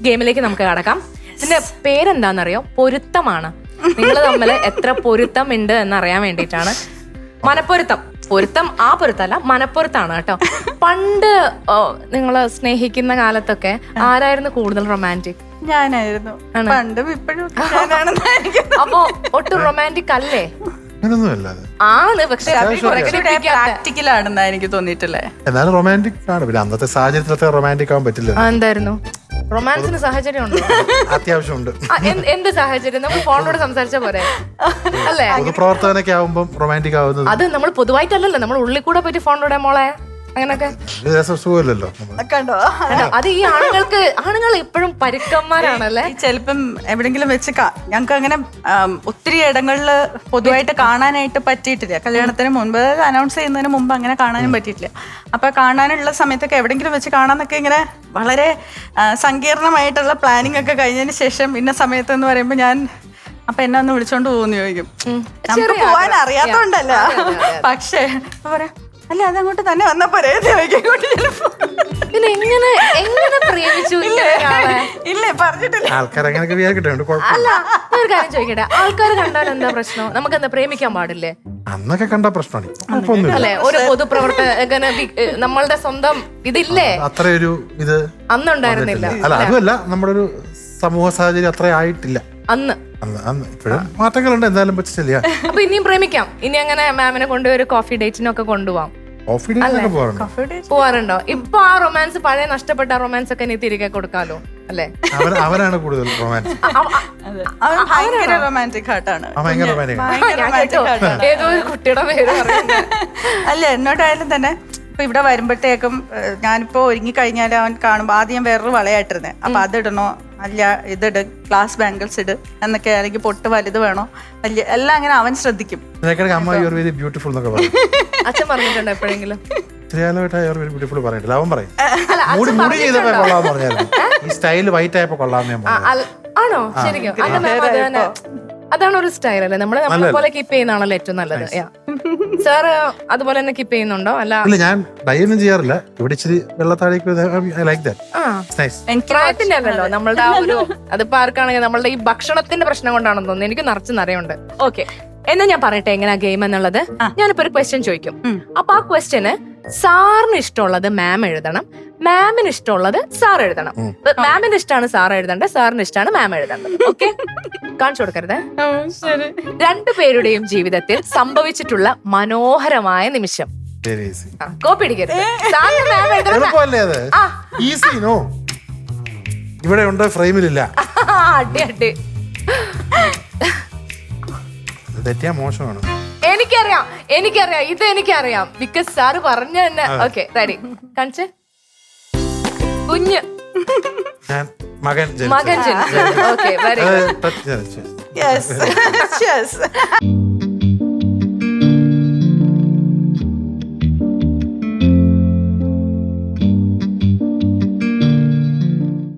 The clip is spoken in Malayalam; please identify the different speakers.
Speaker 1: ഗെയിമിലേക്ക് നമുക്ക് കടക്കാം. ഇതിന്റെ പേരെന്താണെന്നറിയോ? പൊരുത്തമാണ്. നിങ്ങൾ തമ്മിൽ എത്ര പൊരുത്തം ഉണ്ട് എന്നറിയാൻ വേണ്ടിയിട്ടാണ്. മനപ്പൊരുത്തം. പൊരുത്തം ആ പൊരുത്തല്ല, മനപ്പൊരുത്താണ് കേട്ടോ. പണ്ട് നിങ്ങൾ സ്നേഹിക്കുന്ന കാലത്തൊക്കെ ആരായിരുന്നു കൂടുതൽ റൊമാൻറ്റിക്?
Speaker 2: ഞാനായിരുന്നു. പണ്ടും ഇപ്പോഴും.
Speaker 1: അപ്പൊ ഒട്ടും റൊമാൻറ്റിക് അല്ലേ? ആണ്, പക്ഷെ
Speaker 2: പ്രാക്ടിക്കലാണെന്നാ എനിക്ക് തോന്നിയിട്ടില്ലേ.
Speaker 3: എന്നാലും റൊമാൻറ്റിക് ആണ്. പിന്നെ അന്നത്തെ സാഹചര്യത്തിലത്തെ റൊമാൻറ്റിക് ആവാൻ പറ്റില്ല.
Speaker 1: എന്തായിരുന്നു റൊമാൻസിന് സാഹചര്യം ഉണ്ടോ?
Speaker 3: അത്യാവശ്യമുണ്ട്.
Speaker 1: എന്ത് സാഹചര്യം? നമ്മൾ ഫോണിലൂടെ സംസാരിച്ച പോരെ അല്ലേ?
Speaker 3: പൊതുപ്രവർത്തകനൊക്കെ ആവുമ്പോൾ റൊമാൻറ്റിക് ആവുന്നത്
Speaker 1: അത് നമ്മൾ പൊതുവായിട്ടല്ലല്ലോ, നമ്മൾ ഉള്ളിൽ കൂടെ പോയിട്ട് ഫോണിലൂടെ മോളെ അങ്ങനൊക്കെ
Speaker 3: സുഖമല്ലല്ലോ.
Speaker 2: കണ്ടോ,
Speaker 1: അത് ഈ ആണുങ്ങൾ എപ്പോഴും പരുക്കന്മാരാണല്ലേ.
Speaker 2: ചിലപ്പം എവിടെങ്കിലും വെച്ച് ഞങ്ങൾക്ക് അങ്ങനെ ഒത്തിരി ഇടങ്ങളിൽ പൊതുവായിട്ട് കാണാനായിട്ട് പറ്റിയിട്ടില്ല. കല്യാണത്തിന് മുൻപ്, അനൗൺസ് ചെയ്യുന്നതിന് മുമ്പ് അങ്ങനെ കാണാനും പറ്റിയിട്ടില്ല. അപ്പൊ കാണാനുള്ള സമയത്തൊക്കെ എവിടെങ്കിലും വെച്ച് കാണാന്നൊക്കെ ഇങ്ങനെ വളരെ സങ്കീർണമായിട്ടുള്ള പ്ലാനിങ് ഒക്കെ കഴിഞ്ഞതിന് ശേഷം ഇന്ന സമയത്ത് എന്ന് പറയുമ്പോൾ ഞാൻ അപ്പൊ എന്നെ ഒന്ന് വിളിച്ചോണ്ട് പോകുന്നു ചോദിക്കും. നമുക്ക് പോവാൻ അറിയാത്തോണ്ടല്ല, പക്ഷേ പറയാ അല്ല അതങ്ങോട്ട് തന്നെ വന്നപ്പോ ഇല്ലേ പറഞ്ഞിട്ടില്ല.
Speaker 1: അല്ല, ഒരു കാര്യം ചോദിക്കട്ടെ, ആൾക്കാർ കണ്ടാൽ എന്താ പ്രശ്നം? നമുക്ക് എന്താ പ്രേമിക്കാൻ പാടില്ലേ?
Speaker 3: അന്നൊക്കെ കണ്ട പ്രശ്നമാണ്
Speaker 1: അല്ലെ? ഒരു പൊതുപ്രവർത്തകന് നമ്മളുടെ സ്വന്തം ഇതില്ലേ?
Speaker 3: അത്രയൊരു ഇത്
Speaker 1: അന്നുണ്ടായിരുന്നില്ല.
Speaker 3: അല്ല, അതുമല്ല, നമ്മുടെ ഒരു സമൂഹ സാഹചര്യം അത്ര ആയിട്ടില്ല
Speaker 1: അന്ന്.
Speaker 3: ഇപ്പോഴും മാറ്റങ്ങളുണ്ട്. എന്തായാലും പറ്റില്ല.
Speaker 1: അപ്പൊ ഇനിയും പ്രേമിക്കാം. ഇനി അങ്ങനെ മാമിനെ കൊണ്ടുപോയി കോഫി ഡേറ്റിനൊക്കെ കൊണ്ടുപോവാം. പോവാറുണ്ടോ? ഇപ്പൊ ആ റൊമാൻസ്, പഴയ നഷ്ടപ്പെട്ട റൊമാൻസ് ഒക്കെ ഇനി തിരികെ കൊടുക്കാലോ അല്ലേ?
Speaker 3: അവനാണ് കൂടുതൽ റൊമാൻസ്.
Speaker 2: ഭയങ്കര റൊമാൻറ്റിക് ഹാർട്ടാണ്.
Speaker 1: ഏതോ ഒരു കുട്ടിയുടെ പേര്
Speaker 2: അല്ല, എന്നോട്ടായാലും തന്നെ ഇപ്പൊ ഇവിടെ വരുമ്പോഴത്തേക്കും ഞാനിപ്പോ ഒരുങ്ങി കഴിഞ്ഞാൽ അവൻ കാണുമ്പോ ആദ്യം വേറൊരു വളയായിട്ടിരുന്നേ. അപ്പൊ അതിടണോ, അല്ല ഇതിട്, ഗ്ലാസ് ബാംഗിൾസ് ഇട് എന്നൊക്കെ, അല്ലെങ്കിൽ പൊട്ട് വലുത് വേണോ, വലിയ എല്ലാം അങ്ങനെ അവൻ ശ്രദ്ധിക്കും.
Speaker 1: അച്ഛൻ പറഞ്ഞിട്ടുണ്ടോ എപ്പോഴെങ്കിലും? ആണോ? ശരിക്കും അതാണ് ഒരു സ്റ്റൈൽ അല്ലേ? നമ്മളെ പോലെ കീപ്പ് ചെയ്യുന്നതാണല്ലോ ഏറ്റവും നല്ലത്. സാറ് അതുപോലെ തന്നെ കീപ്പ് ചെയ്യുന്നുണ്ടോ? അല്ല,
Speaker 3: ഞാൻ ഡൈ ഒന്നും ചെയ്യാറില്ല. ഇവിടെ ഇച്ചിരി വെള്ളത്താഴേക്ക്
Speaker 1: പ്രായത്തിന്റെ അല്ലല്ലോ നമ്മളുടെ ആ ഒരു, അതിപ്പോ ആർക്കാണെങ്കിൽ നമ്മളുടെ ഈ ഭക്ഷണത്തിന്റെ പ്രശ്നം കൊണ്ടാണെന്ന് തോന്നുന്നു. എനിക്ക് നിറച്ച് നിറയുണ്ട്. ഓക്കെ, എന്നാ ഞാൻ പറയട്ടെ എങ്ങനെയാ ഗെയിം എന്നുള്ളത്. ഞാനിപ്പോ ഒരു ക്വസ്റ്റ്യൻ ചോദിക്കും. അപ്പൊ ആ ക്വസ്റ്റ്യന് സാറിന് ഇഷ്ടമുള്ളത് മാം എഴുതണം, മാമിന് ഇഷ്ടമുള്ളത് സാർ എഴുതണം. മാമിന് ഇഷ്ടമാണ് സാർ എഴുതേണ്ടത്, സാറിന് ഇഷ്ടമാണ് മാം എഴുതേണ്ടത്. ഓക്കെ, കാണിച്ചു കൊടുക്കരുത്. രണ്ടുപേരുടെയും ജീവിതത്തിൽ സംഭവിച്ചിട്ടുള്ള മനോഹരമായ നിമിഷം. കോപ്പി അടിക്കരുത്.
Speaker 3: ഇവിടെ ഉണ്ട്, ഫ്രെയിമിലില്ല.
Speaker 1: അടി അടി.
Speaker 3: തെറ്റിയാ മോശമാണ്.
Speaker 1: എനിക്കറിയാം, ഇത് എനിക്കറിയാം. ബിക്കോസ് സാറ് പറഞ്ഞു തന്നെ. Okay, ready? കാണിച്ചേ. കുഞ്ഞ്
Speaker 3: മകൻ
Speaker 1: ജനിച്ചു. Okay, very good.